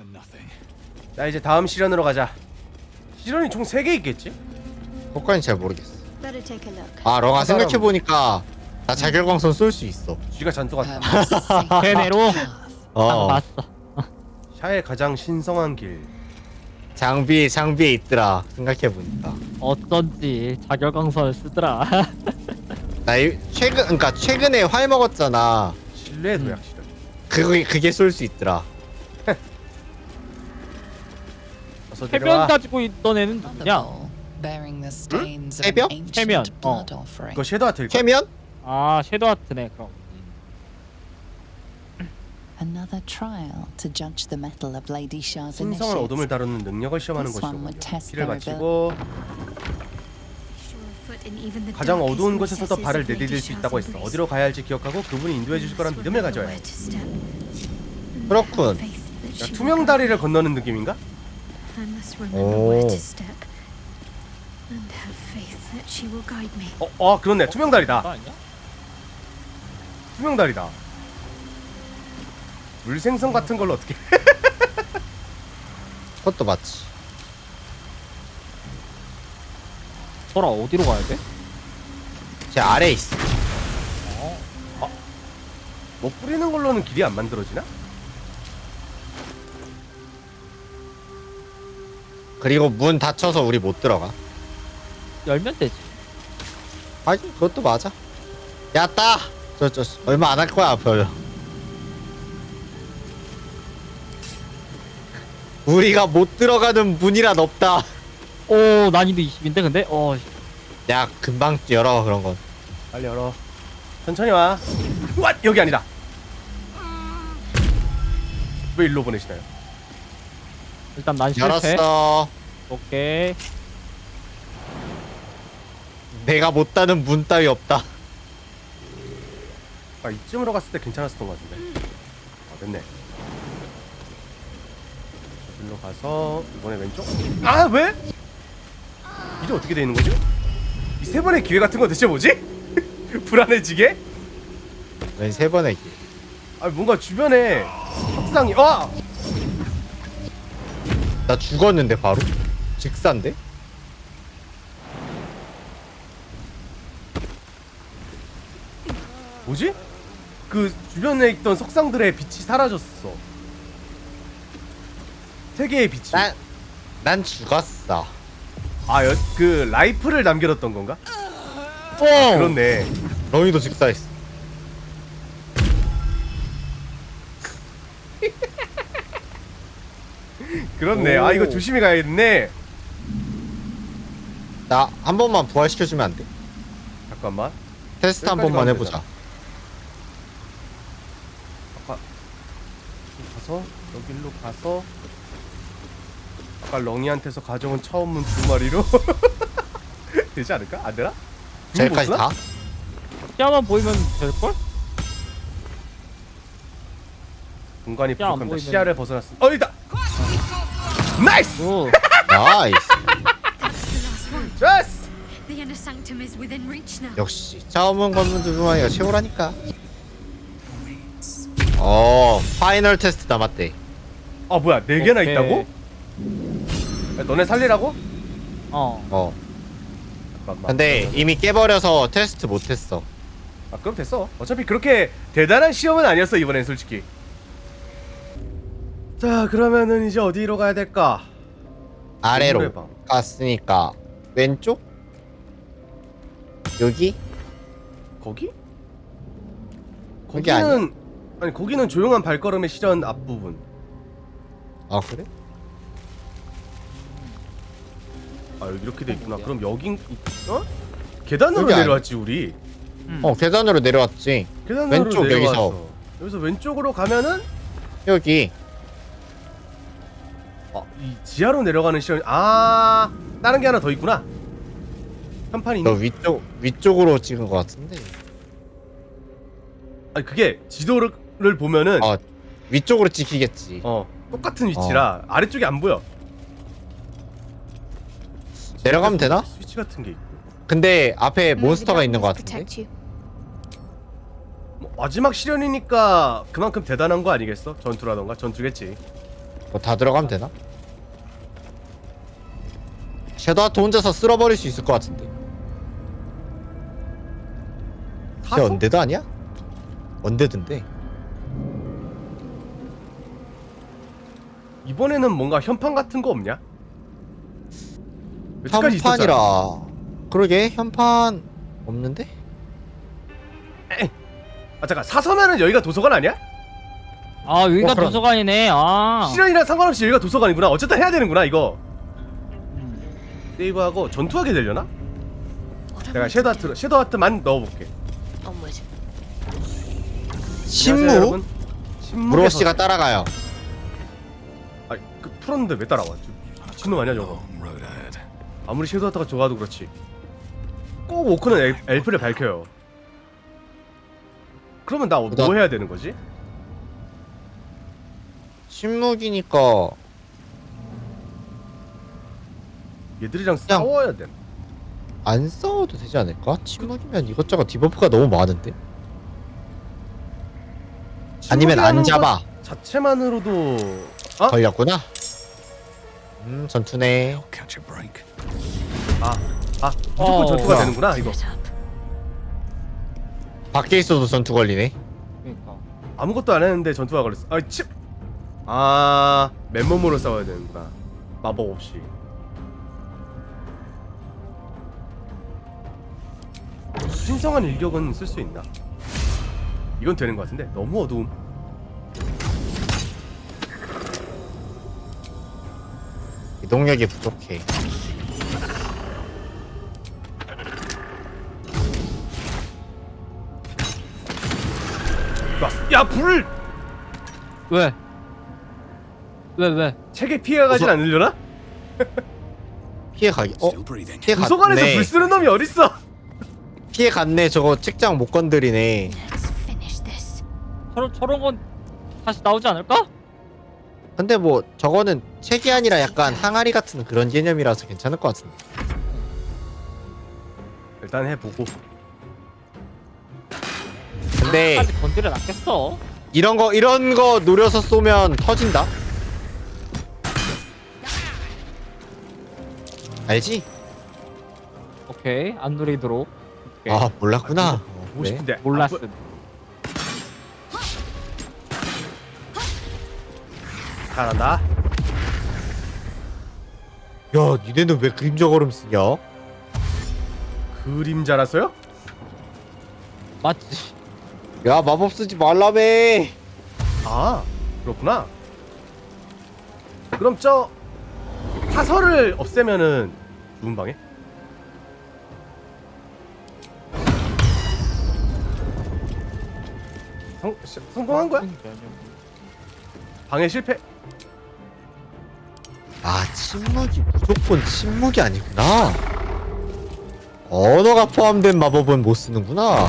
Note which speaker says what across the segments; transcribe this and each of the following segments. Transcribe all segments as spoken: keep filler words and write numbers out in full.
Speaker 1: 자 이제 다음 시련으로 가자. 시련이 총 세 개 있겠지?
Speaker 2: 그것까진 잘 모르겠어.
Speaker 3: Better take a look.
Speaker 2: 아 렁아
Speaker 1: 사람-
Speaker 2: 생각해보니까 나 자결광선 쏠 수 있어.
Speaker 1: 쥐가 잔뜩 왔다.
Speaker 4: 걔네로
Speaker 2: 어
Speaker 4: 봤어.
Speaker 1: 샤의 가장 신성한 길.
Speaker 2: 장비 장비에 있더라 생각해보니까.
Speaker 4: 어쩐지 자결광선을 쓰더라.
Speaker 2: 나 이, 최근 그니까 최근에 활 먹었잖아.
Speaker 1: 신뢰의
Speaker 4: 음.
Speaker 1: 도약 시련.
Speaker 2: 그게 그게 쏠 수 있더라.
Speaker 1: 어서
Speaker 4: 해변
Speaker 1: 내려와.
Speaker 4: 가지고 있던 애는
Speaker 5: On the
Speaker 4: 누구냐?
Speaker 5: bowl, bearing the stains of
Speaker 2: 해변?
Speaker 5: an ancient
Speaker 4: 해변, 어.
Speaker 5: blood offering.
Speaker 1: 이거 섀도우 아트일까?
Speaker 2: 캐면?
Speaker 4: 아 섀도우 아트네 그럼.
Speaker 5: Another trial to judge the mettle of Lady Shah's
Speaker 1: 신성한
Speaker 5: initiates.
Speaker 1: 어둠을 다루는 능력을 시험하는
Speaker 5: This
Speaker 1: 것이로
Speaker 5: one would test
Speaker 1: 피를
Speaker 5: their
Speaker 1: 마치고 가장 어두운 곳에서도 발을 내디딜 수 있다고 했어. 어디로 가야 할지 기억하고 그분이 인도해 주실 거란 믿음을 가져야 해.
Speaker 2: 그렇군.
Speaker 1: 야, 투명 다리를 건너는 느낌인가?
Speaker 2: 오.
Speaker 1: 어, 어 그렇네. 투명 다리다.
Speaker 4: 그거 아니야?
Speaker 1: 투명 다리다. 물생선 같은 걸로 어떻게?
Speaker 2: 그것도 맞지.
Speaker 4: 소라 어디로 가야 돼?
Speaker 2: 제 아래에 있어.
Speaker 1: 뭐 뿌리는 걸로는 길이 안 만들어지나?
Speaker 2: 그리고 문 닫혀서 우리 못 들어가.
Speaker 4: 열면 되지.
Speaker 2: 아니 그것도 맞아. 야따. 저 저 얼마 안 할 거야 별로. 우리가 못 들어가는 문이란 없다.
Speaker 4: 오 난이도 이십인데 근데 어
Speaker 2: 야 금방 열어 그런 건.
Speaker 1: 빨리 열어. 천천히 와. 왓 여기 아니다. 왜 일로 보내시나요?
Speaker 4: 일단 난 실패.
Speaker 2: 열었어.
Speaker 4: 오케이.
Speaker 2: 내가 못 닫는 문 따위 없다.
Speaker 1: 아 이쯤으로 갔을 때 괜찮았었던 것 같은데. 아 됐네. 일로 가서 이번에 왼쪽. 아 왜? 이게 어떻게 되는 거지? 이 세 번의 기회 같은 거 대체 뭐지? 불안해지게?
Speaker 2: 왜 세 번의 길.
Speaker 1: 아 뭔가 주변에 협상이 와.
Speaker 2: 나 죽었는데 바로? 직사인데?
Speaker 1: 뭐지? 그 주변에 있던 석상들의 빛이 사라졌어. 세 개의 빛이.
Speaker 2: 난, 난 죽었어.
Speaker 1: 아, 여, 그 라이프를 남겨뒀던 건가?
Speaker 4: 오.
Speaker 1: 그렇네.
Speaker 2: 렁이도 직사했어.
Speaker 1: 그렇네.
Speaker 2: 오.
Speaker 1: 아 이거 조심히 가야겠네.
Speaker 2: 나 한 번만 부활시켜주면 안 돼?
Speaker 1: 잠깐만.
Speaker 2: 테스트 한
Speaker 1: 여기까지
Speaker 2: 번만
Speaker 1: 가면
Speaker 2: 해보자.
Speaker 1: 아까 가서 여기로 가서 아까 렁이한테서 가져온 처음 두 마리로 되지 않을까? 안 되나?
Speaker 2: 저기까지 다?
Speaker 4: 시야만 보이면 될걸?
Speaker 1: 공간이
Speaker 4: 시야 안
Speaker 1: 부족합니다.
Speaker 4: 보이면-
Speaker 1: 시야를 벗어났어. 어 있다. 나이스.
Speaker 4: 오.
Speaker 2: 나이스.
Speaker 1: 좋았어.
Speaker 3: The inner sanctum is within reach now.
Speaker 2: 역시 처음 건물 두 마리가 최고라니까. 어 파이널 테스트 남았대.
Speaker 1: 아 뭐야 네 개나
Speaker 4: 오케이.
Speaker 1: 있다고? 야, 너네 살리라고?
Speaker 4: 어.
Speaker 2: 어
Speaker 1: 잠깐만.
Speaker 2: 근데 이미 깨버려서 테스트 못했어.
Speaker 1: 아 그럼 됐어. 어차피 그렇게 대단한 시험은 아니었어 이번엔 솔직히. 자 그러면은 이제 어디로 가야 될까?
Speaker 2: 아래로
Speaker 1: 노래방.
Speaker 2: 갔으니까 왼쪽? 여기?
Speaker 1: 거기?
Speaker 2: 거기
Speaker 1: 거기는 아니 거기는 조용한 발걸음의 시련 앞부분.
Speaker 2: 아 그래?
Speaker 1: 아 여기 이렇게 돼 있구나. 그럼 여긴 어? 계단으로
Speaker 2: 여기 아니-
Speaker 1: 내려왔지 우리.
Speaker 4: 음.
Speaker 2: 어 계단으로 내려왔지.
Speaker 1: 계단으로
Speaker 2: 왼쪽,
Speaker 1: 내려왔어.
Speaker 2: 여기서.
Speaker 1: 여기서 왼쪽으로 가면은
Speaker 2: 여기
Speaker 1: 어, 이 지하로 내려가는 시련. 아 다른 게 하나 더 있구나. 한판이
Speaker 2: 너
Speaker 1: 있네.
Speaker 2: 위쪽 위쪽으로 찍은 것 같은데.
Speaker 1: 아니 그게 지도를 보면은
Speaker 2: 아 위쪽으로 찍히겠지.
Speaker 1: 어 똑같은 위치라 아래쪽이 안 보여.
Speaker 2: 내려가면 되나?
Speaker 1: 스위치 같은 게 있고.
Speaker 2: 근데 앞에 몬스터가 있는 것 같은데.
Speaker 1: 뭐, 마지막 시련이니까 그만큼 대단한 거 아니겠어? 전투라던가 전투겠지.
Speaker 2: 뭐 다 들어가면 되나? 섀도우 하트 혼자서 쓸어버릴 수 있을 것 같은데. 쟤
Speaker 1: 사서?
Speaker 2: 언데드 아니야? 언데드인데.
Speaker 1: 이번에는 뭔가 현판 같은 거 없냐? 여태까지 있었잖아.
Speaker 2: 현판이라. 그러게 현판 없는데?
Speaker 1: 아 잠깐 사서면은 여기가 도서관 아니야?
Speaker 4: 아 여기가
Speaker 2: 어, 그럼.
Speaker 4: 도서관이네. 아.
Speaker 1: 실현이랑 상관없이 여기가 도서관이구나. 어쨌든 해야 되는구나 이거.
Speaker 4: 음.
Speaker 1: 세이브하고 전투하게 되려나?
Speaker 3: What
Speaker 1: 내가
Speaker 3: am I
Speaker 1: 섀도우
Speaker 3: to do?
Speaker 1: 하트 섀도우 하트만 넣어볼게.
Speaker 3: Onward.
Speaker 1: 안녕하세요,
Speaker 2: 신무?
Speaker 1: 여러분. 신무께서-
Speaker 2: 무로 씨가 따라가요.
Speaker 1: 아니 그 풀었는데 왜 따라와? 저 미친놈 아니야 저거. 아무리 섀도우 하트가 좋아도 그렇지. 꼭 오크는 엘, 엘프를 밝혀요. 그러면 나 뭐
Speaker 2: 나-
Speaker 1: 해야 되는 거지?
Speaker 2: 신무기니까
Speaker 1: 얘들이랑
Speaker 2: 그냥-
Speaker 1: 싸워야 돼.
Speaker 2: 안 싸워도 되지 않을까? 침묵이면 이것저것 디버프가 너무 많은데? 아니면 안
Speaker 1: 침묵이라는
Speaker 2: 잡아.
Speaker 1: 것 자체만으로도 어?
Speaker 2: 걸렸구나. 음 전투네.
Speaker 1: 아, 아 무조건
Speaker 4: 어,
Speaker 1: 전투가
Speaker 2: 뭐야.
Speaker 1: 되는구나 이거.
Speaker 3: Split up.
Speaker 2: 밖에 있어도 전투 걸리네.
Speaker 4: 그러니까.
Speaker 1: 아무것도 안 했는데 전투가 걸렸어. 아, 치. 아, 맨몸으로 싸워야 되는구나. 마법 없이. 신성한 일격은 쓸 수 있나? 이건 되는 것 같은데 너무 어두움.
Speaker 2: 이동력이 부족해.
Speaker 1: 좋았어. 야 불!
Speaker 4: 왜? 왜 왜?
Speaker 1: 책에 피해가 가진
Speaker 2: 어서-
Speaker 1: 않으려나?
Speaker 2: 피해 가기. 어? 피해
Speaker 1: 도서관에서
Speaker 2: 갔네.
Speaker 1: 불 쓰는 놈이 어딨어?
Speaker 2: 피해 갔네. 저거 책장 못 건드리네.
Speaker 3: Let's finish this.
Speaker 4: 저런 저런 건 다시 나오지 않을까?
Speaker 2: 근데 뭐 저거는 책이 아니라 약간 항아리 같은 그런 개념이라서 괜찮을 것 같은데.
Speaker 1: 일단 해보고.
Speaker 2: 근데
Speaker 4: 아직 건드려 놨겠어.
Speaker 2: 이런 거 이런 거 노려서 쏘면 터진다. 알지?
Speaker 4: 오케이 안 누리도록. 오케이.
Speaker 2: 아 몰랐구나. 어,
Speaker 1: 보고
Speaker 2: 그래?
Speaker 1: 싶은데
Speaker 4: 몰랐음.
Speaker 1: 아, 뭐- 잘한다.
Speaker 2: 야 니네는 왜 그림자 걸음 쓰냐?
Speaker 1: 그림자라서요?
Speaker 4: 맞지.
Speaker 2: 야 마법 쓰지 말라며.
Speaker 1: 아 그렇구나. 그럼 저 사설을 없애면은 누군 방에? 성, 시- 성공한 거야? 방해 실패.
Speaker 2: 아 침묵이 무조건 침묵이 아니구나. 언어가 포함된 마법은 못 쓰는구나.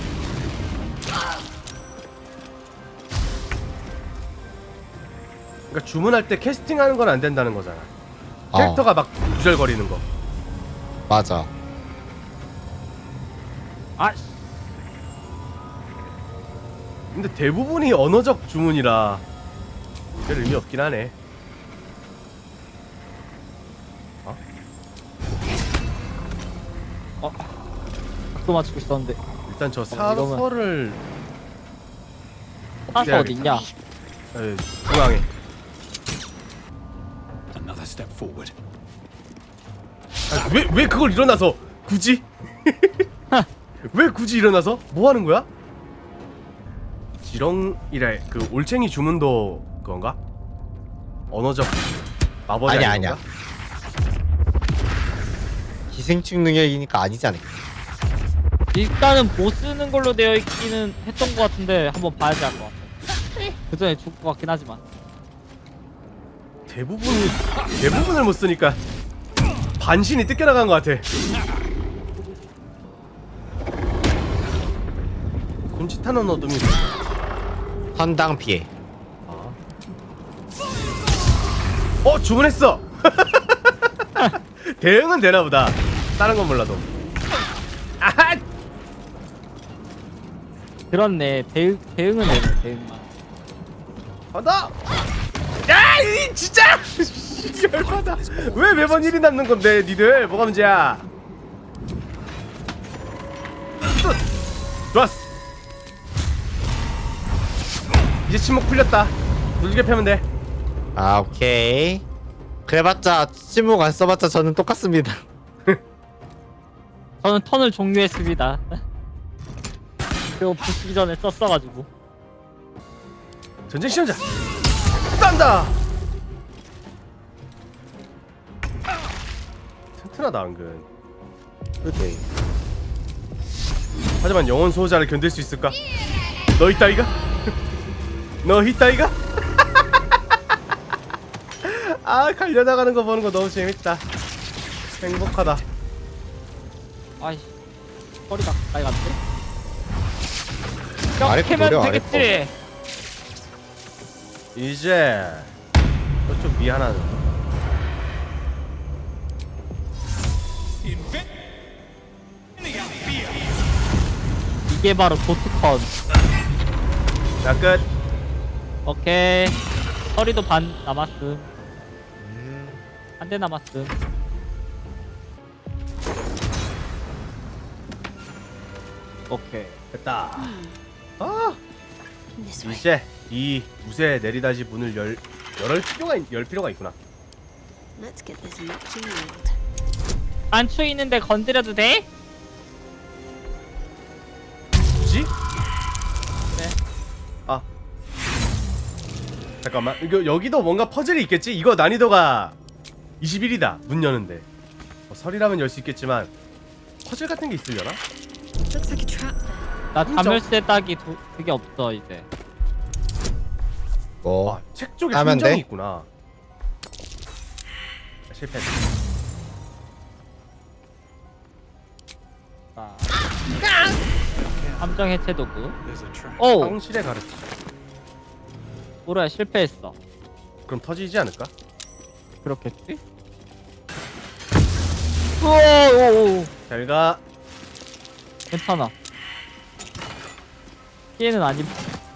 Speaker 1: 그러니까 주문할 때 캐스팅하는 건 안 된다는 거잖아.
Speaker 2: 어.
Speaker 1: 캐릭터가 막 구절거리는 거.
Speaker 2: 맞아.
Speaker 4: 아
Speaker 1: 근데 대부분이 언어적 주문이라 별 의미 없긴 하네.
Speaker 4: 또 맞추고 있었는데.
Speaker 1: 일단 저
Speaker 4: 이거면-
Speaker 1: 사설을
Speaker 4: 사서 어디 있냐?
Speaker 1: 에, 중앙에.
Speaker 6: Another step forward.
Speaker 1: 아, 왜, 왜 그걸 일어나서 굳이? 왜 굳이 일어나서? 뭐 하는 거야? 지렁이래 그 올챙이 주문도 그건가? 언어적 마법이
Speaker 2: 아니야,
Speaker 1: 아닌
Speaker 2: 아니야.
Speaker 1: 건가?
Speaker 2: 기생충 능력이니까 아니지 않을까?
Speaker 4: 일단은 못 쓰는 걸로 되어 있기는 했던 것 같은데 한번 봐야지 할 것 같아. 그 전에 죽을 것 같긴 하지만.
Speaker 1: 대부분이 대부분을 못 쓰니까 반신이 뜯겨나간 것 같아. 손짓하는 어둠이
Speaker 2: 선당 피해.
Speaker 1: 어 주문했어. 대응은 되나 보다. 다른 건 몰라도. 아하!
Speaker 4: 그렇네. 대응 대응은 되네. 대응만.
Speaker 1: 간다. 야! 아이 진짜 열받아. 왜 매번 일이 남는 건데 니들 뭐가 문제야? 좋았어. 이제 침묵 풀렸다. 두들겨 펴면 돼.
Speaker 2: 아 오케이. 그래봤자 침묵 안 써봤자 저는 똑같습니다.
Speaker 4: 저는 턴을 종료했습니다. 그리고 부수기 전에 썼어가지고.
Speaker 1: 전쟁 시험자 싼다. 튼튼하다 은근.
Speaker 2: 오케이.
Speaker 1: 하지만 영혼 수호자를 견딜 수 있을까? 너 있다이가? 너 있다이가? 아 갈려나가는 거 보는 거 너무 재밌다. 행복하다.
Speaker 4: 아이 허리가 가까이 갔지?
Speaker 2: 아래 거
Speaker 4: 캐면
Speaker 2: 노려, 아래
Speaker 4: 되겠지.
Speaker 1: 이제 저쪽 위 하나는
Speaker 4: 이게 바로 도트컨.
Speaker 1: 자 끝.
Speaker 4: 오케이. 허리도 반 남았음. 한 대 남았음. 오케이.
Speaker 1: 됐다. 아
Speaker 3: This way.
Speaker 1: 이제 이 무쇠 내리다지 문을 열 열을 필요가 있- 열 필요가 있구나.
Speaker 3: Let's get this locked and locked.
Speaker 4: 안추 있는데 건드려도 돼?
Speaker 1: 굳이?
Speaker 4: 그래.
Speaker 1: 아 잠깐만 이거 여기도 뭔가 퍼즐이 있겠지? 이거 난이도가 이십일이다 문 여는데 뭐 설이라면 열 수 있겠지만 퍼즐 같은 게 있으려나?
Speaker 3: Looks like a trap there.
Speaker 4: 나 자멸세 딱이 도, 그게 없어 이제.
Speaker 2: 뭐
Speaker 1: 아, 책 쪽에
Speaker 2: 하면
Speaker 1: 함정이
Speaker 2: 돼?
Speaker 1: 있구나. 아, 실패했다.
Speaker 4: 자. 함정 해체 도구. 오,
Speaker 1: 황실의 가르침.
Speaker 4: 뭐야 실패했어.
Speaker 1: 그럼 터지지 않을까?
Speaker 4: 그렇겠지? 오오오.
Speaker 1: 잘가.
Speaker 4: 괜찮아. 피해는 아님.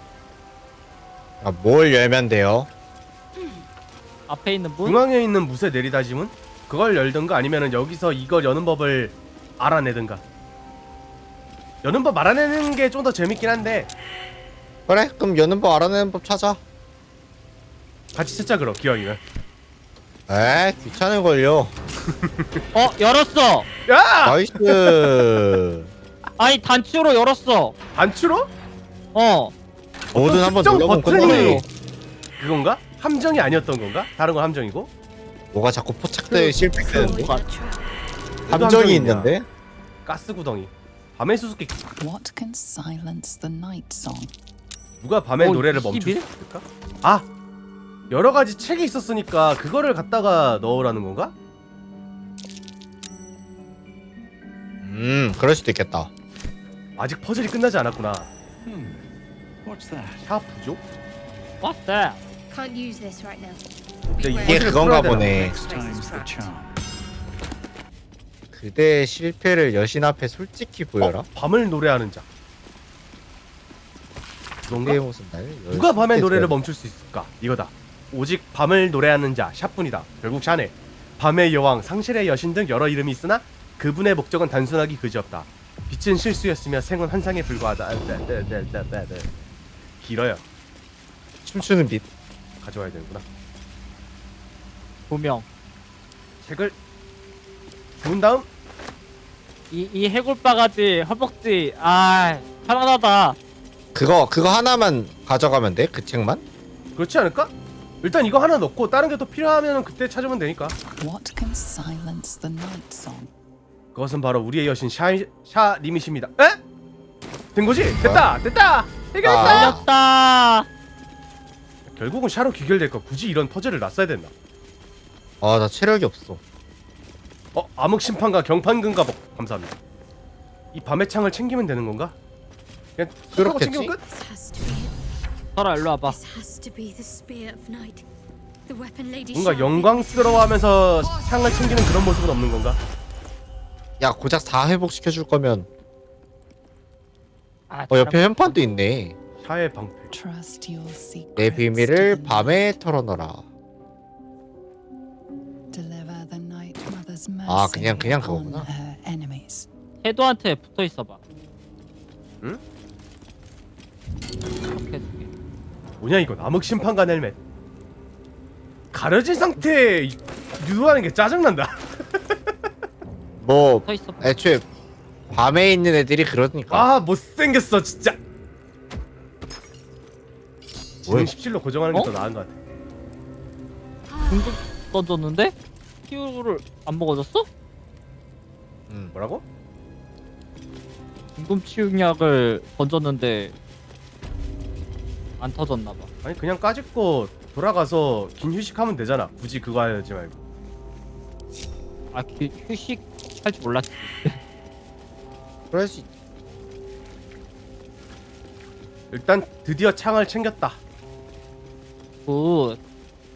Speaker 2: 아, 뭘 열면 돼요?
Speaker 4: 앞에 있는 문.
Speaker 1: 중앙에 있는 무쇠 내리다짐은 그걸 열든가 아니면은 여기서 이걸 여는 법을 알아내든가. 여는 법 알아내는 게 좀 더 재밌긴 한데
Speaker 2: 그래 그럼 여는 법 알아내는 법 찾아.
Speaker 1: 같이 찾자 그럼 기왕이면.
Speaker 2: 에 귀찮은 걸요.
Speaker 4: 어 열었어.
Speaker 1: 야!
Speaker 2: 나이스.
Speaker 4: 아니 단추로 열었어.
Speaker 1: 단추로?
Speaker 4: 어.
Speaker 2: 뭐든 한번
Speaker 1: 특정
Speaker 2: 눌러보면
Speaker 1: 버튼이
Speaker 2: 끝나요.
Speaker 1: 그건가? 함정이 아니었던 건가? 다른 건 함정이고?
Speaker 2: 뭐가 자꾸 포착돼 실패되는데?
Speaker 3: Avoid the trap.
Speaker 1: 어떤
Speaker 2: 함정이
Speaker 1: 함정이냐?
Speaker 2: 있는데?
Speaker 1: 가스 구덩이. 밤의 수수께끼.
Speaker 5: What can silence the night song?
Speaker 1: 누가 밤의
Speaker 4: 어,
Speaker 1: 노래를 멈출 수
Speaker 4: 이십일?
Speaker 1: 있을까? 아! 여러 가지 책이 있었으니까 그거를 갖다가 넣으라는 건가?
Speaker 2: 음 그럴 수도 있겠다.
Speaker 1: 아직 퍼즐이 끝나지 않았구나.
Speaker 6: What's that?
Speaker 1: 샤 부족?
Speaker 4: What's that?
Speaker 3: Can't use this right now.
Speaker 1: 근데
Speaker 3: Beware.
Speaker 2: 이게
Speaker 1: 퍼즐을
Speaker 2: 그건가
Speaker 1: 풀어야 되나?
Speaker 2: 보네.
Speaker 6: Next time's the charm.
Speaker 2: 그대의 실패를 여신 앞에 솔직히 보여라.
Speaker 1: 어? 밤을 노래하는 자. 그건가?
Speaker 2: 그대의 모습 날
Speaker 1: 누가 밤의
Speaker 2: 열심히
Speaker 1: 노래를
Speaker 2: 해줘야
Speaker 1: 멈출 수 있을까? 이거다. 오직 밤을 노래하는 자 샤뿐이다. 결국 샤네. 밤의 여왕, 상실의 여신 등 여러 이름이 있으나 그분의 목적은 단순하기 그지없다. 빛은 실수였으며 생은 환상에 불과하다. 아, 네, 네, 네, 네, 네, 네. 길어요.
Speaker 2: 춤추는 빛.
Speaker 1: 가져와야 되는구나.
Speaker 4: 조명.
Speaker 1: 책을 부은 다음
Speaker 4: 이, 이 해골바가지 허벅지. 아 편안하다.
Speaker 2: 그거 그거 하나만 가져가면 돼? 그 책만?
Speaker 1: 그렇지 않을까? 일단 이거 하나 넣고 다른 게 또 필요하면 그때 찾으면 되니까.
Speaker 5: What can silence the night song?
Speaker 1: 그것은 바로 우리의 여신 샤 샤님이십니다. 에? 된 거지? 됐다, 됐다. 해결했다.
Speaker 2: 아.
Speaker 4: 걸렸다.
Speaker 1: 결국은 샤로 귀결될까? 굳이 이런 퍼즐을 놨어야 됐나?
Speaker 2: 아 나 체력이 없어.
Speaker 1: 어, 암흑 심판과 경판근 가복 감사합니다. 이 밤의 창을 챙기면 되는 건가? 그냥
Speaker 2: 그렇겠지?
Speaker 1: 챙기면 끝?
Speaker 3: This has to be it.
Speaker 4: 설아 일로 와봐.
Speaker 3: This has to be the spear of night. The weapon lady
Speaker 1: 뭔가
Speaker 3: Sharp.
Speaker 1: 영광스러워하면서 창을 챙기는 그런 모습은 없는 건가?
Speaker 2: 야 고작 다 회복시켜 줄 거면.
Speaker 4: 아,
Speaker 2: 어 옆에
Speaker 4: 잘하고
Speaker 2: 현판도 있네.
Speaker 1: 샤의 방패.
Speaker 5: Trust your secrets.
Speaker 2: 내
Speaker 5: to
Speaker 2: 비밀을
Speaker 5: the night.
Speaker 2: 밤에 털어넣어라.
Speaker 5: deliver the Night Mother's mercy
Speaker 2: 아, 그냥- 그냥
Speaker 5: on
Speaker 2: 그거구나.
Speaker 5: her enemies.
Speaker 4: 해도한테 붙어 있어봐.
Speaker 1: 응?
Speaker 4: 이렇게 해줄게.
Speaker 1: 뭐냐 이거 암흑 심판관 헬멧. 가려진 상태에 유도하는 게 짜증난다.
Speaker 2: 뭐
Speaker 4: 붙어 있어봐.
Speaker 2: 애초에 밤에 있는 애들이 그러니까.
Speaker 1: 아 못생겼어 진짜. 지능 십칠로 고정하는 게 더
Speaker 4: 어?
Speaker 1: 나은 것 같아.
Speaker 4: 궁극 던졌는데 히어로를 안 먹어줬어?
Speaker 2: 음.
Speaker 1: 뭐라고?
Speaker 4: 궁금 치유약을 던졌는데 안 터졌나봐.
Speaker 1: 아니 그냥 까짓거 돌아가서 긴 휴식하면 되잖아. 굳이 그거 하지 말고.
Speaker 4: 아 그, 휴식 할 줄 몰랐지.
Speaker 2: 그럴 수 있...
Speaker 1: 일단 드디어 창을 챙겼다.
Speaker 4: 굿.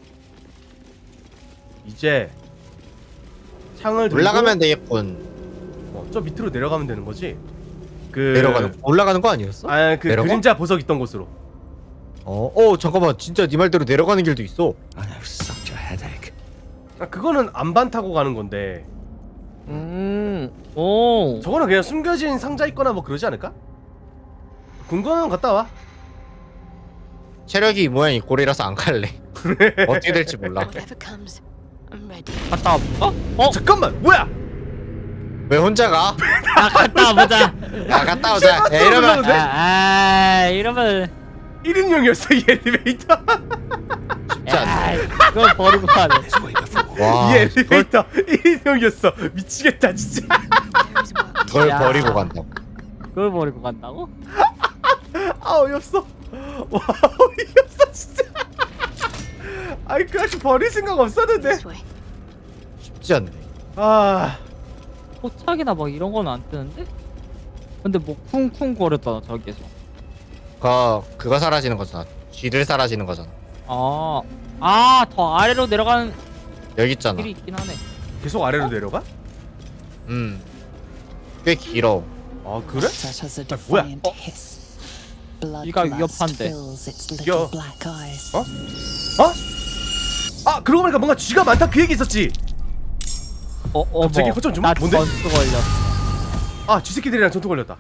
Speaker 1: 이제 창을 들고
Speaker 2: 올라가면 되겠군.
Speaker 1: 어, 저 밑으로 내려가면 되는 거지. 그
Speaker 2: 내려가는 올라가는 거 아니었어?
Speaker 1: 아그
Speaker 2: 내려가?
Speaker 1: 그림자 보석 있던 곳으로.
Speaker 2: 어, 어 잠깐만 진짜 네 말대로 내려가는 길도 있어.
Speaker 6: I have such a headache.
Speaker 1: 아, 그거는 안반 타고 가는 건데
Speaker 4: 음. 오.
Speaker 1: 저거는 그냥 숨겨진 상자 있거나 뭐 그러지 않을까? 궁금하면 갔다 와.
Speaker 2: 체력이 이 모양 이 꼴이라서 안 갈래. 어떻게 될지 몰라.
Speaker 3: Whatever comes, I'm ready.
Speaker 4: 갔다 와볼까? 어?
Speaker 1: 잠깐만 뭐야?
Speaker 2: 왜 혼자 가?
Speaker 4: 아 갔다 와보자.
Speaker 2: 야 갔다 오자. 야, 이러면
Speaker 1: 올라오는데?
Speaker 4: 아, 아 이러면
Speaker 1: 일 인용이었어 이 엘리베이터.
Speaker 2: 쉽지 않네.
Speaker 4: 야 이걸 버리고 가네.
Speaker 6: It's way before.
Speaker 2: 와,
Speaker 1: 이 엘리베이터 일 인용이었어. 미치겠다 진짜.
Speaker 3: There is work.
Speaker 2: 덜
Speaker 4: 야.
Speaker 2: 버리고 간다고.
Speaker 4: 그걸 버리고 간다고?
Speaker 1: 아 어이없어. 와 어이없어 진짜. 아이 그렇게 버릴 생각 없었는데.
Speaker 3: This way.
Speaker 2: 쉽지 않네.
Speaker 1: 아
Speaker 4: 포착이나 막 이런 건 안 뜨는데? 근데 뭐 쿵쿵 거렸잖아 저기에서.
Speaker 2: 그 그거 사라지는 거잖아. 쥐들 사라지는 거잖아.
Speaker 4: 아, 아, 더 아래로 내려가는
Speaker 2: 여기 있잖아.
Speaker 4: 길이 있긴 하네.
Speaker 1: 계속 아래로 내려가?
Speaker 2: 음. 꽤 길어.
Speaker 1: 아 그래?
Speaker 5: It has a
Speaker 1: 아, 뭐야?
Speaker 5: defiant
Speaker 1: 어?
Speaker 5: hiss. Bloodlust
Speaker 4: 이가 위협한데.
Speaker 5: fills its
Speaker 1: 야.
Speaker 5: little black eyes.
Speaker 1: 어? 어? 아 그러고 보니까 뭔가 쥐가 많다 그 얘기 있었지.
Speaker 4: 어, 어,
Speaker 1: 갑자기
Speaker 4: 뭐.
Speaker 1: 허점 좀
Speaker 4: 나
Speaker 1: 뭔데?
Speaker 4: 전투 걸렸어.
Speaker 1: 아 쥐새끼들이랑 전투 걸렸다.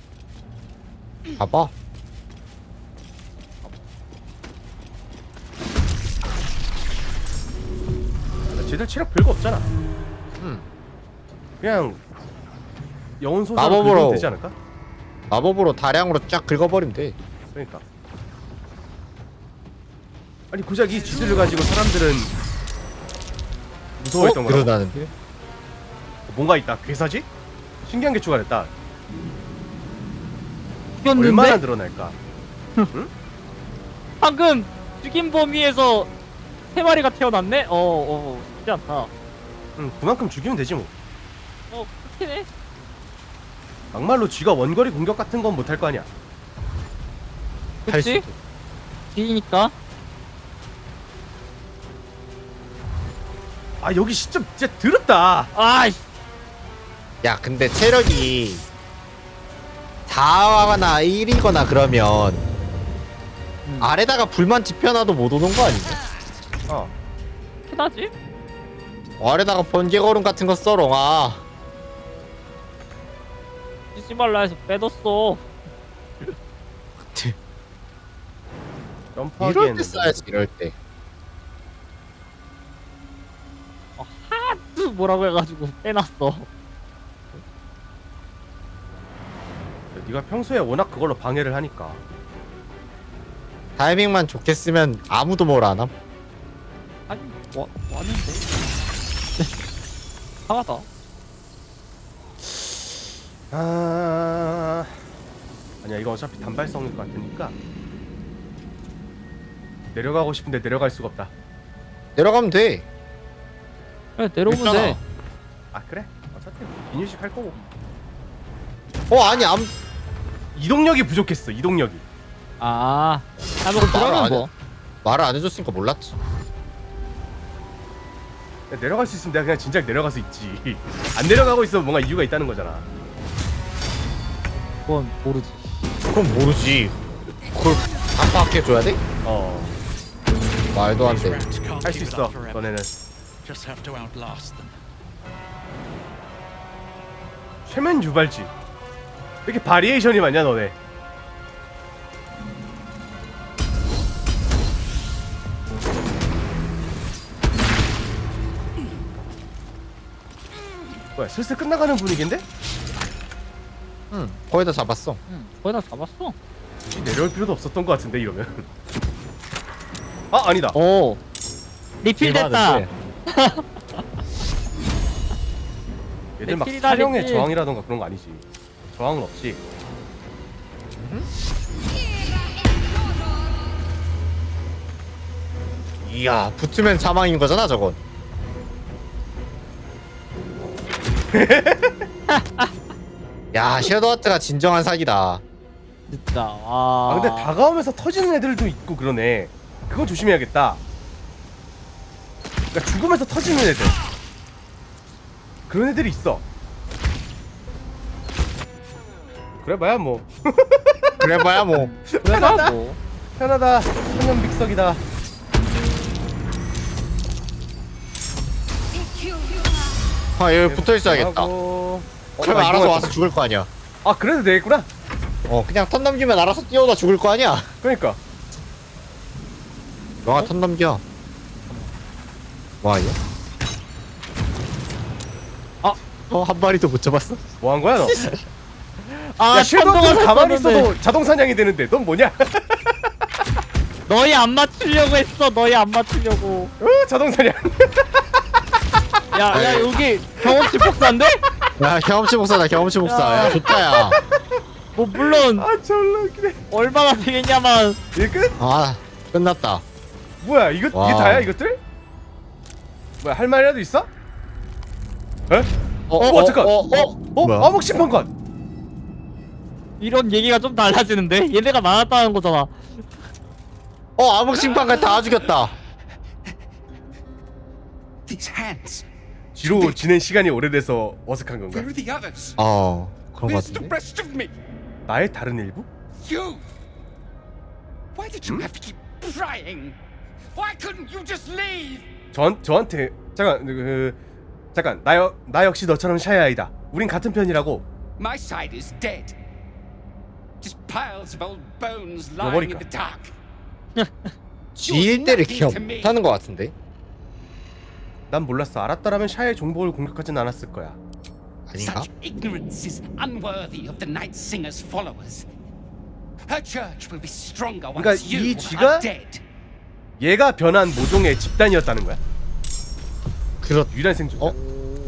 Speaker 2: 봐봐.
Speaker 1: 쟤들 체력 별거 없잖아.
Speaker 2: 음.
Speaker 1: 그냥 영혼 소사로
Speaker 2: 마법으로.
Speaker 1: 긁으면 되지 않을까?
Speaker 2: 마법으로 다량으로 쫙 긁어버리면 돼.
Speaker 1: 그러니까. 아니 고작 이 쥐들을 가지고 사람들은 무서워했던
Speaker 2: 어?
Speaker 1: 거야.
Speaker 2: 그러다는데?
Speaker 1: 뭔가 있다. 괴사지? 신기한 게 추가됐다.
Speaker 4: 죽였는데?
Speaker 1: 얼마나 늘어날까?
Speaker 4: 방금 죽인 범위에서 세 마리가 태어났네? 어, 어, 쉽지 않다.
Speaker 1: 응, 그만큼 죽이면 되지 뭐.
Speaker 4: 어, 그렇긴 해.
Speaker 1: 막말로 쥐가 원거리 공격 같은 건 못할 거 아니야.
Speaker 2: 할
Speaker 4: 그치?
Speaker 2: 수도.
Speaker 4: 뒤니까.
Speaker 1: 아 여기 진짜 진짜 더럽다.
Speaker 4: 아이씨.
Speaker 2: 야 근데 체력이 사나 일이거나 그러면
Speaker 4: 음.
Speaker 2: 아래다가 불만 지펴놔도 못 오는 거 아니냐?
Speaker 1: 어.
Speaker 4: 흔하지?
Speaker 2: 아래다가 번개거름 같은 거 써 롱아.
Speaker 4: 쓰지 말라 해서 빼뒀어.
Speaker 1: 점프하기에는
Speaker 2: 이럴 때 써야지 이럴 때.
Speaker 4: 어, 하드 뭐라고 해가지고 빼놨어.
Speaker 1: 네가 평소에 워낙 그걸로 방해를 하니까.
Speaker 2: 타이밍만 좋게 쓰면 아무도 뭘 안 함.
Speaker 4: 아니, 와, 왔는데. 하나다.
Speaker 1: 아 아니야 이거 어차피 단발성일 것 같으니까 내려가고 싶은데 내려갈 수가 없다.
Speaker 2: 내려가면 돼.
Speaker 4: 그래, 내려오면
Speaker 2: 있잖아.
Speaker 4: 돼.
Speaker 1: 아 그래? 어차피 기뉴식 할 거고.
Speaker 2: 어 아니 암
Speaker 1: 이동력이 부족했어. 이동력이.
Speaker 4: 아, 아, 뭐,
Speaker 2: 말을
Speaker 4: 그러면
Speaker 2: 안
Speaker 4: 뭐.
Speaker 2: 해. 말을 안 해줬으니까 몰랐지.
Speaker 1: 야, 내려갈 수 있으면 내가 그냥 진작 내려가서 있지. 안 내려가고 있으면 뭔가 이유가 있다는 거잖아.
Speaker 4: 그건 모르지.
Speaker 2: 그럼 모르지. 그걸 다 파악해줘야 돼?
Speaker 1: 어.
Speaker 2: 말도 안 돼.
Speaker 1: 할 수 있어. 너네는.
Speaker 6: Just have to outlast them.
Speaker 1: 최면 유발지. 왜 이렇게 바리에이션이 많냐 너네. 뭐야 슬슬 끝나가는 분위기인데?
Speaker 2: 응 거의 다 잡았어.
Speaker 4: 응, 거의 다 잡았어.
Speaker 1: 굳이 내려올 필요도 없었던 것 같은데 이러면. 아 아니다.
Speaker 4: 오, 리필 됐다.
Speaker 1: 얘들 막
Speaker 4: 리필이다,
Speaker 1: 사령의
Speaker 4: 리필.
Speaker 1: 저항이라던가 그런 거 아니지. 저항은 없지.
Speaker 2: 이야 붙으면 사망인 거잖아 저건. 야 섀도우하트가 진정한 사기다.
Speaker 4: 진짜. 아,
Speaker 1: 아 근데 다가오면서 터지는 애들도 있고 그러네. 그건 조심해야겠다. 그러니까 죽으면서 터지는 애들. 그런 애들이 있어. 그래봐야 뭐
Speaker 2: 그래봐야 뭐.
Speaker 4: 그래가 뭐.
Speaker 1: 편하다. 천연 믹서기다.
Speaker 2: 아 여기 붙어 있어야겠다.
Speaker 1: 하고...
Speaker 2: 그러면
Speaker 1: 어,
Speaker 2: 알아서
Speaker 1: 이거-
Speaker 2: 와서 죽을 거 아니야.
Speaker 1: 아 그래도 되겠구나.
Speaker 2: 어 그냥 턴 넘기면 알아서 뛰어오다 죽을 거 아니야.
Speaker 1: 그러니까
Speaker 2: 너가 턴 넘겨. 와 이거?
Speaker 4: 아.
Speaker 2: 어한 마리도 못 잡았어?
Speaker 1: 뭐 한 거야 너?
Speaker 4: 아,
Speaker 1: 야 섀도우는
Speaker 4: 천둥을
Speaker 1: 가만히
Speaker 4: 샀었는데.
Speaker 1: 있어도 자동 사냥이 되는데 넌 뭐냐?
Speaker 4: 너희 안 맞추려고 했어. 너희 안 맞추려고.
Speaker 1: 어 자동 사냥.
Speaker 4: 야, 야, 여기 경험치 복사인데?
Speaker 2: 야 경험치 복사다 경험치 복사. 야 좋다 야.
Speaker 4: 뭐 물론
Speaker 1: 아 졸라 웃기네.
Speaker 4: 얼마나 되겠냐만.
Speaker 1: 이게 끝?
Speaker 2: 아 끝났다.
Speaker 1: 뭐야 이거
Speaker 2: 와.
Speaker 1: 이게 다야 이것들? 뭐야 할 말이라도 있어? 에?
Speaker 2: 어,
Speaker 1: 어, 잠깐.
Speaker 2: 어,
Speaker 1: 어?
Speaker 2: 어,
Speaker 1: 어?
Speaker 2: 뭐야?
Speaker 1: 암흑 심판관.
Speaker 4: 이런 얘기가 좀 달라지는데? 얘네가 많았다는 거잖아.
Speaker 2: 어 암흑 심판관 다 죽였다.
Speaker 6: These hands.
Speaker 1: 뒤로 지낸 시간이 오래돼서 어색한 건가?
Speaker 6: Where are the others?
Speaker 2: 어 그런 거
Speaker 6: Where's the
Speaker 2: 같은데.
Speaker 6: rest of me?
Speaker 1: 나의 다른 일부?
Speaker 6: You. Why did you have to keep prying? Why couldn't you just leave?
Speaker 1: 전 저한테 잠깐 그 잠깐 나, 여, 나 역시 너처럼 샤야이다. 우린 같은 편이라고.
Speaker 6: My side is dead. Just piles of old bones
Speaker 1: 뭐
Speaker 6: lying in
Speaker 1: 머리카.
Speaker 6: the dark.
Speaker 2: 지일 때를 기억 못하는 거 같은데.
Speaker 1: 난 몰랐어. 알았더라면 샤의 종복을 공격하진 않았을 거야.
Speaker 2: 아닌가?
Speaker 6: Such ignorance is unworthy of the Night Singer's followers. Her church will be stronger
Speaker 1: 그러니까
Speaker 6: once you
Speaker 1: 이 쥐가
Speaker 6: are dead.
Speaker 1: 얘가 변한 모종의 집단이었다는 거야.
Speaker 2: 그렇.
Speaker 1: 유일한 생존자.
Speaker 2: 어?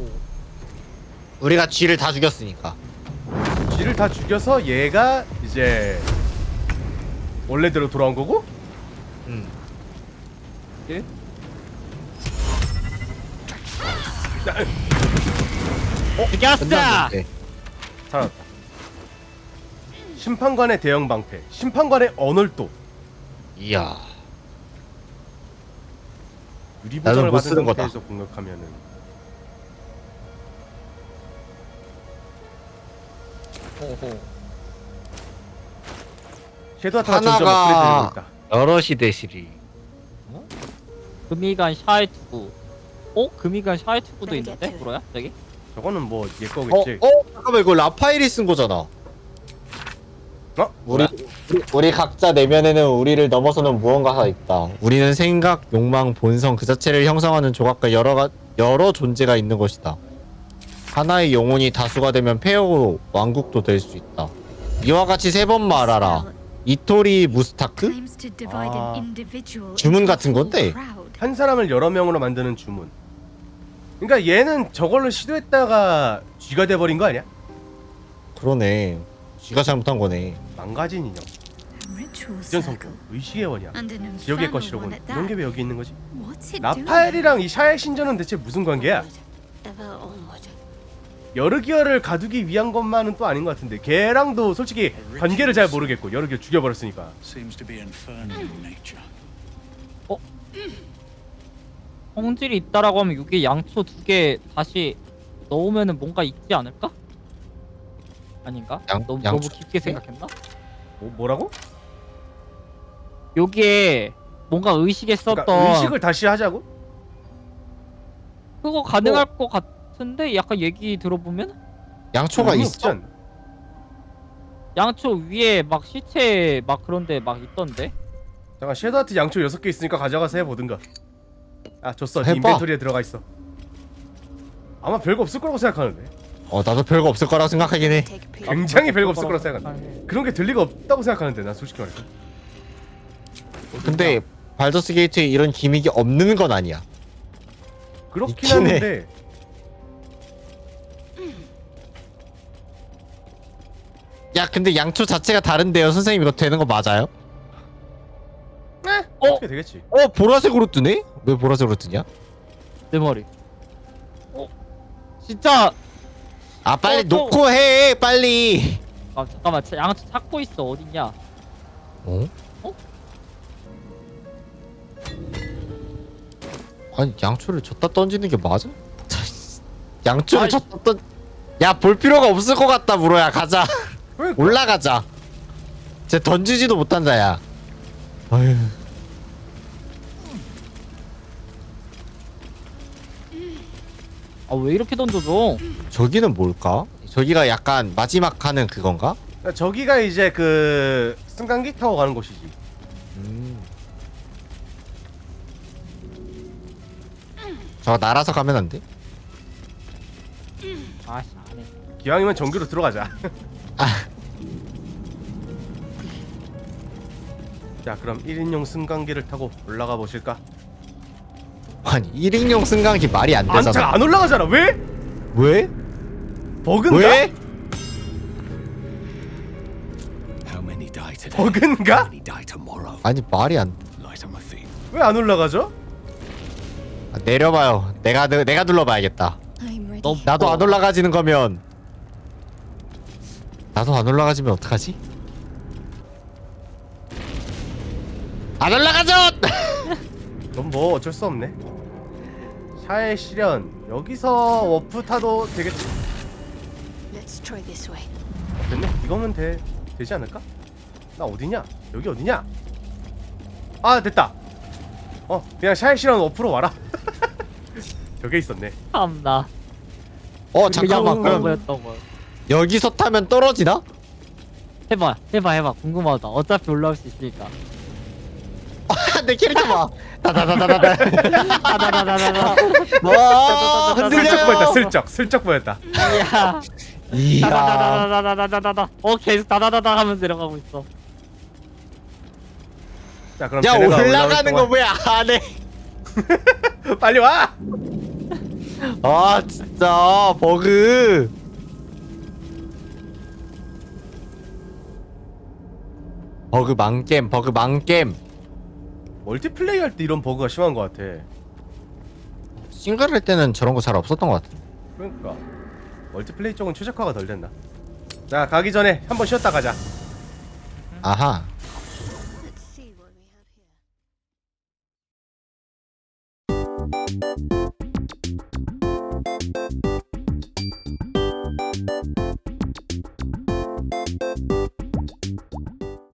Speaker 2: 우리가 쥐를 다 죽였으니까.
Speaker 1: 쥐를 다 죽여서 얘가 이제 원래대로 돌아온 거고?
Speaker 2: 음.
Speaker 1: 예?
Speaker 4: 죽였어!
Speaker 2: 끝났는데.
Speaker 1: 살았다. 심판관의 대형 방패, 심판관의 언월도.
Speaker 2: 이야.
Speaker 1: 유리
Speaker 2: 나도
Speaker 1: 보장을
Speaker 2: 못
Speaker 1: 받은
Speaker 2: 쓰는 거다.
Speaker 1: 상태에서 공격하면은
Speaker 4: 호호.
Speaker 1: 섀도우하트가 점점
Speaker 2: 하나가-
Speaker 1: 업그레이드되고 있다.
Speaker 2: 여럿이 대시리.
Speaker 4: 금이간 샤이 투구. 어? 금이간 샤이 투구도 있는데? 뭐야? 저기?
Speaker 1: 저거는 뭐 얘
Speaker 2: 어?
Speaker 1: 거겠지.
Speaker 2: 어? 잠깐만 이거 라파엘이 쓴 거잖아.
Speaker 1: 어?
Speaker 2: 우리, 우리 우리 각자 내면에는 우리를 넘어서는 무언가가 있다. 우리는 생각, 욕망, 본성 그 자체를 형성하는 조각과 여러 가, 여러 존재가 있는 것이다. 하나의 영혼이 다수가 되면 폐허고 왕국도 될 수 있다. 이와 같이 세 번 말하라. 이토리 무스타크?
Speaker 3: Claims to divide
Speaker 1: 아.
Speaker 3: an individual
Speaker 2: 주문
Speaker 3: into a
Speaker 2: 같은
Speaker 3: whole
Speaker 2: 건데?
Speaker 3: crowd.
Speaker 1: 한 사람을 여러 명으로 만드는 주문. 그러니까 얘는 저걸로 시도했다가 쥐가 돼버린 거 아니야?
Speaker 2: 그러네. 쥐가 잘못한 거네.
Speaker 1: 망가진 인형,
Speaker 3: A ritual
Speaker 1: 이전
Speaker 3: circle.
Speaker 1: 성공, 의식의 원이야.
Speaker 3: And an
Speaker 1: 지옥의
Speaker 3: infernal
Speaker 1: 것이로군.
Speaker 3: one at
Speaker 1: 이런 게
Speaker 3: that.
Speaker 1: 왜 여기 있는 거지?
Speaker 3: What's it doing?
Speaker 1: 라파엘이랑 이 샤의 신전은 대체 무슨 관계야? 여르기어를 가두기 위한 것만은 또 아닌 것 같은데 걔랑도 솔직히 관계를 잘 모르겠고 여르기어 죽여버렸으니까.
Speaker 6: Seems to be infernal in nature.
Speaker 4: 성질이 있다라고 하면 여기 양초 두 개 다시 넣으면은 뭔가 있지 않을까? 아닌가?
Speaker 2: 양-
Speaker 4: 너무,
Speaker 2: 양초
Speaker 4: 너무 깊게 생각했나?
Speaker 1: 뭐, 뭐라고?
Speaker 4: 여기에 뭔가 의식에 썼던
Speaker 1: 그러니까 의식을 다시 하자고?
Speaker 4: 그거 가능할 것 같은데 약간 얘기 들어보면
Speaker 2: 양초가
Speaker 1: 의미
Speaker 2: 있어?
Speaker 1: 없지 않나?
Speaker 4: 양초 위에 막 시체 막 그런데 막 있던데.
Speaker 1: 잠깐 섀도우하트 양초 여섯 개 있으니까 가져가서 해보든가. 아 줬어. 네
Speaker 2: 해봐.
Speaker 1: 인벤토리에 들어가 있어. 아마 별거 없을 거라고 생각하는데.
Speaker 2: 어 나도 별거 없을 거라고 생각하긴 해.
Speaker 5: Take a peek.
Speaker 1: 굉장히 별거 없을 거라고 생각하는데. 그런 게 될 리가 없다고 생각하는데 난 솔직히 말해서.
Speaker 2: 근데 발더스 게이트에 이런 기믹이 없는 건 아니야.
Speaker 1: 그렇긴
Speaker 2: 있긴 해.
Speaker 1: 한데
Speaker 2: 야 근데 양초 자체가 다른데요 선생님 이거 되는 거 맞아요?
Speaker 1: 어? 어떻게 되겠지.
Speaker 2: 어 보라색으로 뜨네? 왜 보라색으로 뜨냐?
Speaker 4: 내 머리. 어? 진짜.
Speaker 2: 아 빨리
Speaker 4: 어, 또-
Speaker 2: 놓고 해 빨리.
Speaker 4: 아 잠깐만 차- 양초 찾고 있어. 어딨냐?
Speaker 2: 어?
Speaker 4: 어?
Speaker 2: 아니 양초를 줬다 던지는 게 맞아? 양초를
Speaker 4: 아이.
Speaker 2: 줬다 던. 야 볼 필요가 없을 것 같다 무로야 가자.
Speaker 1: 그러니까.
Speaker 2: 올라가자. 쟤 던지지도 못한다 야. 아휴.
Speaker 4: 아 왜 이렇게 던져줘?
Speaker 2: 저기는 뭘까? 저기가 약간 마지막 하는 그건가?
Speaker 1: 그러니까 저기가 이제 그 승강기 타고 가는 곳이지.
Speaker 2: 음. 저거 날아서 가면 안 돼?
Speaker 4: 아씨 안해.
Speaker 1: 기왕이면 전기로 들어가자.
Speaker 2: 아.
Speaker 1: 자 그럼 일 인용 승강기를 타고 올라가 보실까?
Speaker 2: 아니 일 인용 승강기 말이 안
Speaker 1: 안,
Speaker 2: 되잖아.
Speaker 1: 잘 안 올라가잖아. 왜?
Speaker 2: 왜?
Speaker 1: 버그인가?
Speaker 2: 왜?
Speaker 6: How many die today?
Speaker 1: 버그인가?
Speaker 6: How many die tomorrow?
Speaker 2: 아니 말이 안.
Speaker 6: Light on my feet.
Speaker 1: 왜 안 올라가죠?
Speaker 2: 아, 내려봐요. 내가 내- 내가 눌러봐야겠다.
Speaker 3: I'm ready.
Speaker 4: 너
Speaker 2: 나도 안 올라가지는 거면. 나도 안 올라가지면 어떡하지? 안 올라가죠!
Speaker 1: 그럼 뭐 어쩔 수 없네. 샤의 시련 여기서 워프 타도 되겠지.
Speaker 3: Let's try this way.
Speaker 1: 됐네. 이거면 돼 되지 않을까? 나 어디냐? 여기 어디냐? 아 됐다. 어 그냥 샤의 시련 워프로 와라. 저게 있었네.
Speaker 4: 참나.
Speaker 2: 어 잠깐만.
Speaker 4: 그런
Speaker 2: 그럼
Speaker 4: 거였던 거.
Speaker 2: 여기서 타면 떨어지나?
Speaker 4: 해봐 해봐 해봐 궁금하다. 어차피 올라올 수 있으니까.
Speaker 2: 내 캐릭터 봐. 다다다다다다.
Speaker 4: 다다다다다다.
Speaker 2: 와
Speaker 1: 슬쩍
Speaker 2: 흔들려.
Speaker 1: 보였다. 슬쩍 슬쩍 보였다.
Speaker 4: 이야.
Speaker 2: 이야.
Speaker 4: 다다다다다다다다다. 어 계속 다다다다 하면서 내려가고 있어.
Speaker 1: 자 그럼
Speaker 2: 야
Speaker 1: 쟤네가
Speaker 2: 올라가는 거
Speaker 1: 올라올
Speaker 2: 왜 안 해?
Speaker 1: 동안 빨리 와.
Speaker 2: 아 진짜 버그. 버그 망겜 버그 망겜.
Speaker 1: 멀티플레이 할 때 이런 버그가 심한 것 같아.
Speaker 2: 싱글 할 때는 저런 거 잘 없었던 것 같아.
Speaker 1: 그러니까 멀티플레이 쪽은 최적화가 덜 됐나? 자 가기 전에 한번 쉬었다 가자.
Speaker 2: 아하.
Speaker 3: Let's see what we have here.